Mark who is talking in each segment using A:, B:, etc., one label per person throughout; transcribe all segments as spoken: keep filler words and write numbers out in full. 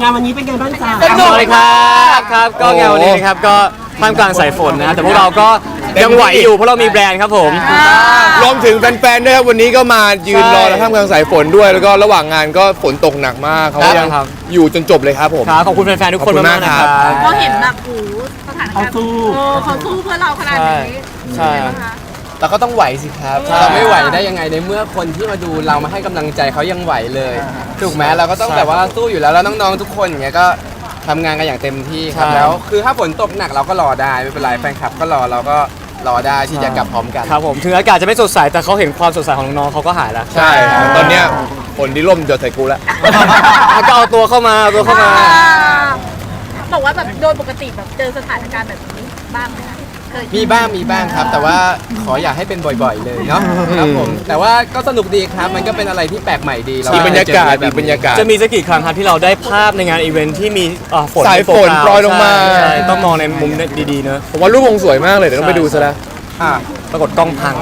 A: งานวันนี้เป็นไงบ้างจ๊ะ
B: สนุกเลยครับครับก็งานวันนี้นะครับก็ท่ามกลางสายฝนนะแต่พวกเราก็ยังไหวอยู่เพราะเรามีแบรนด์ครับผม
C: รวมถึงแฟนๆด้วยครับวันนี้ก็มายืนรอท่ามกลางสายฝนด้วยแล้วก็ระหว่างงานก็ฝนตกหนักมากเขายังอยู่จนจบเลยครับผม
B: ครับขอบคุณแฟนๆทุกคนมากๆนะครับ
D: เราเห็นแบบโอ้สถานการณ์เขาสู้เขาสู้เพื่อเราขนาดนี้
B: ใช่
E: เราก็ต้องไหวสิครับเราไม่ไหวได้ยังไงในเมื่อคนที่มาดูเรามาให้กำลังใจเขายังไหวเลยถูกไหมเราก็ต้องแบบว่าสู้อยู่แล้วแล้วน้องๆทุกคนอย่างเงี้ยก็ทำงานกันอย่างเต็มที่ครับแล้วคือถ้าฝนตกหนักเราก็รอได้ไม่เป็นไรแฟนคลับก็รอเราก็รอได้ที่จะกลับพร้อมกัน
B: ครับผมถึงอากาศจะไม่สดใสแต่เขาเห็นความสดใสของน้องๆเขาก็หายแล้ว
C: ใช่ตอนเนี้ยฝนที่ร่มจะใส่กูแล้ว
B: ก็เอาตัวเข้ามาเอาตัวเข้ามา
D: บอกว่าแบบโดยปกติแบบเจอสถานการณ์แบบนี้บ้างไหมคะ
E: มีบ้างมีบ้างครับแต่ว่าขออย่าให้เป็นบ่อยๆเลยเนาะครับผมแต่ว่าก็สนุกดีครับมันก็เป็นอะไรที่แปลกใหม่ดี
C: มีบรรยากาศมีบรรยากาศ
B: จะมีสักกี่ครั้งครับที่เราได้ภาพในงานอีเวนท์ที่มีฝน
C: สายฝนโปรยลงมา
B: ต้องมองในมุมดีๆเนอะ
C: ผมว่ารูปคงสวยมากเลยเดี๋ยวต้องไปดูซะแล้ว
B: ปรากฏกล้องพัง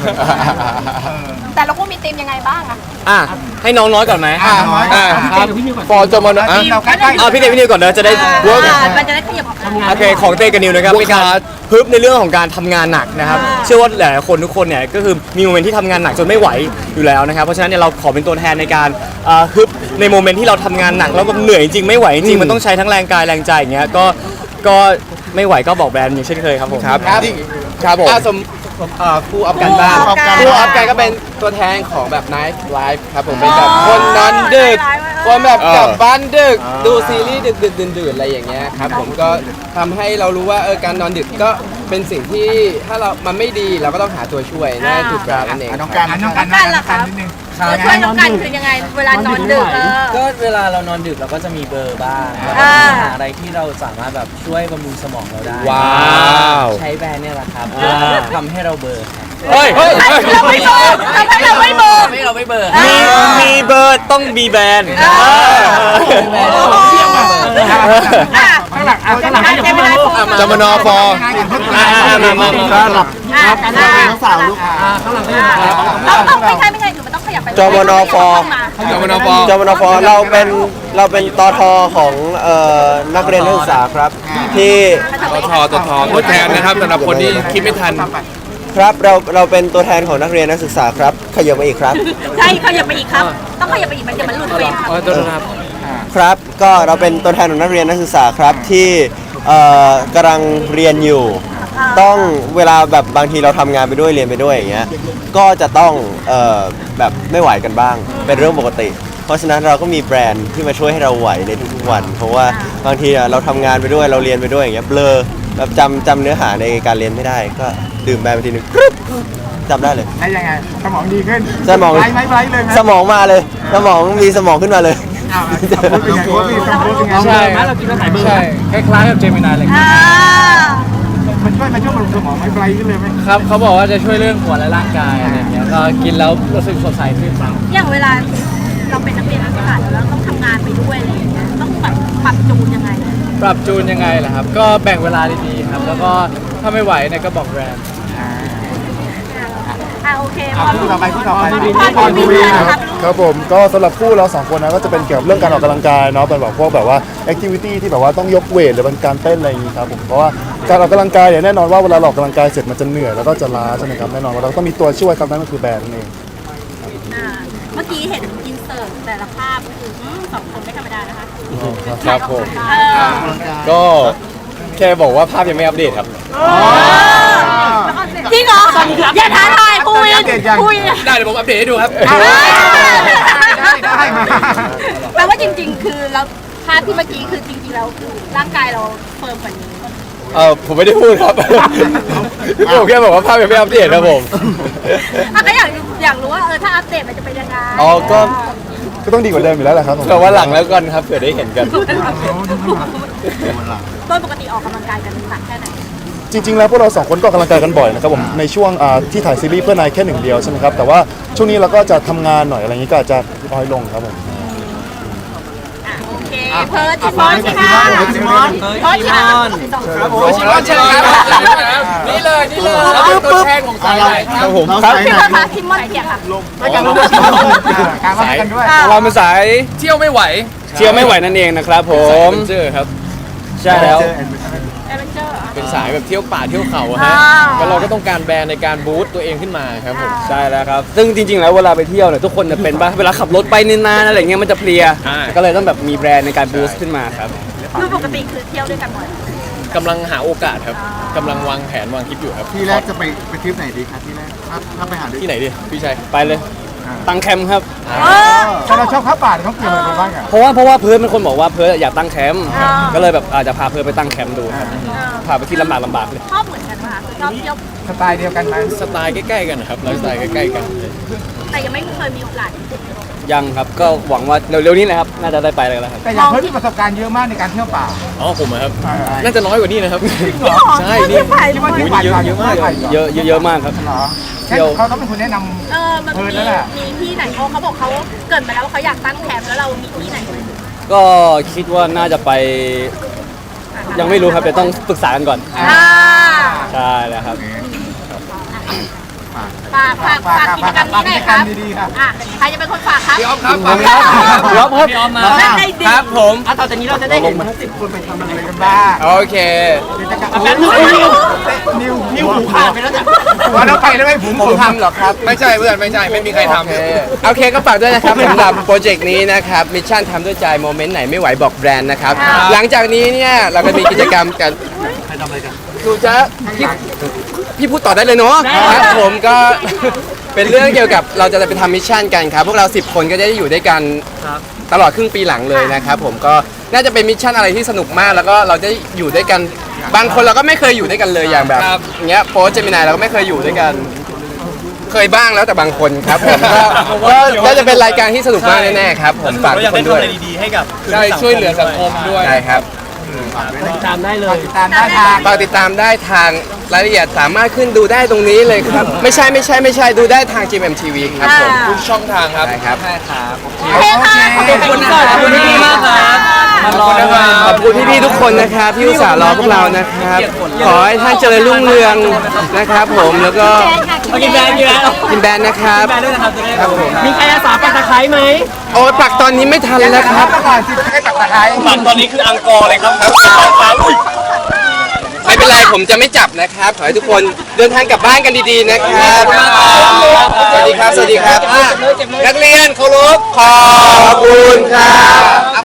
D: แต่เราก็มีธีมยังไงบ้างอะ
B: อ่ะให้น้องน้อยก่อนไหม
C: อ่าครับฟอร์จมอนอ่ะ
B: อ่ะพี่เต้พี่นิวก่อนเนอะจะได้เวิร์ก
D: มันจะได้ขยับออก
B: โอเคของเต้กับนิวนะครับมีการฮึบในเรื่องของการทำงานหนักนะครับเชื่อว่าหลายๆคนทุกคนเนี่ยก็คือมีโมเมนต์ที่ทำงานหนักจนไม่ไหวอยู่แล้วนะครับเพราะฉะนั้นเนี่ยเราขอเป็นตัวแทนในการฮึบในโมเมนต์ที่เราทำงานหนักแล้วมันเหนื่อยจริงไม่ไหวจริงมันต้องใช้ทั้งแรงกายแรงใจอย่างเงี้ยก็ก็ไม่ไหวก็บอกแบรนด์อย่างเช่นเคยครับผม
C: ครับครับผม
E: สมครูออฟกันบ้างครูออฟกันก็เป็นตัวแทนของแบบ Night Life ครับผมเป็นแบบคนนอนดึกคนแบบกลับบ้านดึกดูซีรีส์ดึกดึกดื่นๆอะไรอย่างเงี้ยครับผมก็ทำให้เรารู้ว่าเออการนอนดึกก็เป็นสิ่งที่ถ้าเรามันไม่ดีเราก็ต้องหาตัวช่วยนั่นคือการนั่นเอง
F: น้องการน้องการ
D: การล่ะครับตัวช่วยน้องกันคือยังไงเวลานอนดึก
G: ก็เวลาเรานอนดึกเราก็จะมีเบอร์บ้างแล้วก็หาอะไรที่เราสามารถแบบช่วยบำรุงสมองเราได้
C: ว้าว
G: ใช้แบรนด์เนี่ยแหละครับทำให้เราเบอร์
B: เฮ้ย
D: เราไม่เบอร์ทำให้เราไม่เบอร์
G: ไม่เราไม่เบอร์
B: มีมีเบอร์ต้องมีแบรนด์
F: ข้างหลังข้างหลังให้ยังไม่รู้
C: จมนฟอร์
D: ข้างหลังข้างหลังน้องสาวลูกข้างหลังต้องต้องไม่ใช่ไม่ใช่คือมันต้องขยับไป
H: จมนฟอร์
C: จมนฟอร์
H: จมนฟอร์เราเป็นเราเป็นตทของนักเรียนนักศึกษาครับที่
C: ตทตทตัวแทนนะครับสำหรับคนที่คิดไม่ทัน
H: ครับเราเราเป็นตัวแทนของนักเรียนนักศึกษาครับขยับมาอีกครับ
D: ใช่ขยับไปอีกครับต้องขยับไปอีกมันจะมันหลุดเฟรมครับ
H: ครับก็เราเป็นตัวแทนของนักเรียนนักศึกษาครับที่กำลังเรียนอยู่ต้องเวลาแบบบางทีเราทำงานไปด้วยเรียนไปด้วยอย่างเงี้ยก็จะต้องแบบไม่ไหวกันบ้างเป็นเรื่องปกติเพราะฉะนั้นเราก็มีแบรนด์ที่มาช่วยให้เราไหวในทุกๆวันเพราะว่าบางทีเราทำงานไปด้วยเราเรียนไปด้วยอย่างเงี้ยเบลอแบบจำจำเนื้อหาในการเรียนไม่ได้ก็ดื่มแบรนด์ไปทีนึงจำได้เลย
F: ได้ยังไงสมองดีขึ้น
H: สมอง
F: ไร้ไร้ไร้เลย
H: สมองมาเลยสมองมีสมองขึ้นมาเลย
F: ใช่ไหมเรากินแล้วหายเบอร์ใช่คล้ายๆกับเจมินาเลยมันช่วยมันช่วยบำรุงสมองไม่ไร้ขึ้นเลยไหม
G: ครับเขาบอกว่าจะช่วยเรื่องหัวและร่างกายอะไรอย่างเงี้ยก็กินแล้วรู้สึกสดใสขึ้น
D: อย่างเวลาเราเป็นนักเรียนนักศึกษาแล้วต้องทำงานไปด้วยอะไรอย่างเงี้ยต้องปรับปรับจูนยังไง
G: ปรับจูนยังไงล่ะครับก็แบ่งเวลาดีๆครับแล้วก็ถ้าไม่ไหวเนี่ยก็บอกแบรนด์
D: อ่าโอเคพอ
F: พูดต่อไปพูดต่อไป
D: พอดู
I: ครับครับผมก็สำหรับคู่เราสองคนนะก็จะเป็นเกี่ยวกับเรื่องการออกกำลังกายเนาะเป็นแบบพวกแบบว่าแอคทิวิตี้ที่แบบว่าต้องยกเวทหรือเป็นการเต้นอะไรอย่างนี้ครับผมเพราะว่าการออกกำลังกายเนี่ยแน่นอนว่าเวลาออกกำลังกายเสร็จมันจะเหนื่อยแล้วก็จะล้าใช่ไหมครับแน่นอนว่าเราต้องมีตัวช่วยครับนั่นก็คือแบรนด์นั่นเอง
D: เมื่อกี้เห็นอินเสิร์ตแต่ละภาพคือสองคนไม่ธรรมดานะคะ
C: ครับผมก็แค่บอกว่าภาพยังไม่อัปเดตครับ
D: จริงเหรออย่าท้าทายคุยคุย
C: ได้เดี๋ยวผมอัปเดตให้ดูครับ
F: ได้มา
D: แปลว่าจริงๆคือเราภาพที่เมื่อกี้คือจริงๆแล้วคือร่างกายเราเฟิร์มกว่านี้
C: เออผมไม่ได้พูดครับผมแค่บอกว่าภาพยังไม่อัปเดตครับผม
D: ก็อยากอยากรู้ว่าเออถ้าอัปเดตมันจะเป็นยังไง
C: อ๋อก็
I: ก็ต้องดีกว่าเดิมอยู่แล้วแหละครับ
C: แต่ว่าหลังแล้วกันครับเผื่อได้เห็นกัน
D: ต้นปกติออกกำลังกายกันหนักแค่ไหน
I: จริงๆแล้วพวกเราสองคนก็ออกกำลังกายกันบ่อยนะครับผมในช่วงที่ถ่ายซีรีส์เพื่อนายแค่หนึ่งเดียวใช่ไหมครับแต่ว่าช่วงนี้เราก็จะทำงานหน่อยอะไรอย่างนี้ก็อาจจะน้อยลงครับผม
D: โอเคเพิร์ดชิมอนชิมอนชิมอนเพิร์ดชิมอน
E: ครับผมชิมอนเชิญครับนี่เลยนี่เลยเราเป็นตัวแทนของสายไหน
C: ครับผม
D: ครับพี่เพิร์ดค่ะชิมอนเกียร์ค่ะ
F: ลงไปกันด้วยการมากันด้วย
C: เราเป็นสาย
E: เที่ยวไม่ไหวเที่ยวไม่ไหวนั่นเองนะครับผม
C: เจอครับ
E: ใช่แล้ว
D: เอเวนเจอร์
C: เป็นสายแบบเที่ยวป่าเที่ยวเขาอะ
D: อ่า
C: ฮะแล้วเราก็ต้องการแบรนด์ในการบูสต์ตัวเองขึ้นมาครับผม
E: ใช่แล้วครับ ซึ่งจริงๆ แล้วเวลาไปเที่ยวเนี่ยทุกคนจะเป็นปะเวลาขับรถไปนานๆอะไรเงี้ยมันจะเพลีย
C: อ่า
E: ก็เลยต้องแบบมีแบรนด์ในการบูสต์ขึ้นมาครับ
D: คือปกติคือเที่ยวด้วยกันหมด
C: กำลังหาโอกาสครับกำลังวางแผนวางคิดอยู่ครับ
F: ที่แรกจะไปไปทริปไหนดีครับที่แรกถ้าถ้าไปหาด้วย
C: ที่ไหนดีพี่ชัย
E: ไปเลย ตั้งแคมป์ครับ
F: ถ้าเราชอบข้าวป่าเขาเกี่ยวอะไรกันบ้างอ่ะ
E: เพราะว่าเพราะว่าเพิร์ดเป็นคนบอกว่าเพิร์ดอยากตั้งแคมป์
D: อ่า
E: ก็เลยแบบอาจจะพาเพิร์ดไปตั้งแคมป์ดูครับ
D: เออ
E: พาไปที่ลำบากลำบากเลย
D: ชอบเหมือนกันไหมคะคือชอบเที่ยว
F: สไตล์เดียวกันไหม
C: สไตล์ใกล้ๆกันนะครับไลฟ์สไตล์ใกล้ๆกัน
D: แต่ยังไม่เคยมีโอกาส
E: ยังครับ ก็หวังว่าเร็วๆนี้นะครับ น่าจะได้ไปเลยแล้วครับ
F: แต่อย่างเพิ่มมีประสบการณ์เยอะมากในการเที่ยวป่า
C: อ๋อผมอะครับ
F: ใช่
C: น่าจะน้อยกว่านี้นะครับ ใช่
D: นี่
C: นี่
D: ไป
F: ที่ว่า
D: เล
F: ที่
D: ย
F: ป่า
C: เยอะเยอะมาก
E: เยอะเยอะๆมากครับ
F: เหรอ
E: เที่ยว
F: เขาต้องเป็นคนแนะนำ
D: เออมัน
F: เออ
D: มี
F: นั่นแหละ
D: มีที่ไหนเขาเขาบอกเขาเกริดมาแล้วว่าเขาอยากตั้งแคมป์แล้วเรามีที่ไหนไหม
E: ก็คิดว่าน่าจะไป ยังไม่รู้ครับเดี๋ยวต้องปรึกษากันก่อน
D: อ่า
E: ใช่แล้วครับ
D: ฝากฝากฝากกิจกรรมนี้หน่อยครับ
F: กิจกรรมดีๆครับ
D: อ่ะใครจะเป็นคนฝากครับ
C: พี่อ๊อฟครับ
E: ครับพี่อ๊อฟครับ
D: นั่นได้ดี
E: ครับผม
F: ต่อจากนี้เราจะได้เห็นทั้งสิบคนไปทำอะไรกันบ้าง
C: โอเค
F: กิจกรรมนิวนิวหูขาดไปแล้วเนี่ยหัวเราไปแล้วไหมผม
E: ผมทำเหรอครับ
C: ไม่ใช่เพื่อนไม่ใช่ไม่มีใครทำ
E: โอเคโอเคก็ฝากด้วยนะครับสำหรับโปรเจกต์นี้นะครับมิชชั่นทำด้วยใจโมเมนต์ไหนไม่ไหวบอกแบรนด์นะครับ หลังจากนี้เนี่ยเราก็มีกิจกรรมกันใครทำอะไรกันดูจะพี่พี่พูดต่อได้เลยเนาะครับผมก็ เป็นเรื่องเกี่ยวกับเราจะไปทำมิชชั่นกันครับ พวกเราสิบคนก็จะได้อยู่ด้วยกันตลอดครึ่งปีหลังเลยนะครับผมก็น่าจะเป็นมิชชั่นอะไรที่สนุกมาก แล้วก็เราจะอยู่ด้วยกันบางคนเราก็ไม่เคยอยู่ด้วยกันเลยอย่างแบบอย่างเงี้ยโพสเจมินายเราก็ไม่เคยอยู่ด้วยกัน เคยบ้างแล้วแต่บางคนครับผมก็ก็ก็จะเป็นรายการที่สนุกมากแน่ๆครับผมฝากทุกคนด้วย
C: ใช่ช่วยเหลือสังคมด้วย
E: ใช่ครับ
F: ตามได้เลยตามได้ทาง
E: ฝากติดตามได้ทางรายละเอียดสามารถขึ้นดูได้ตรงนี้เลยครับ ไม่ใช่ไม่ใช่ไม่ใช่ดูได้ทาง จี เอ็ม ที วี ครับผม
C: ทุกช่องทางครับ
E: ใช่ครับ
D: โอเคค่ะ
E: ขอบคุณนะครับขอบคุณพี่ๆมากครับ
C: ขอบคุณนะครับ
E: ขอบคุณพี่ๆทุกคนนะครับที่อุตส่าห์รอพวกเรานะครับ ขอให้ท่านเจริญรุ่งเรืองนะครับผมแล้วก็กินแบรนด์กินแบรนด์นะครับครับผม
G: มีใครอาสาปักตะไคร้ไหม
E: โอ้ยปักตอนนี้ไม่ทันแล้วครับ
F: ก่อนสิให้ตักตะไคร้
B: ตอนนี้คืออังกอร์เลยครับ
E: ไม่เป็นไรผมจะไม่จับนะครับ ขอให้ทุกคนเดินทางกลับบ้านกันดีๆนะครับ สวัสดีครับ สวัสดีครับอ่ะนักเรียนเคารพขอบคุณครับ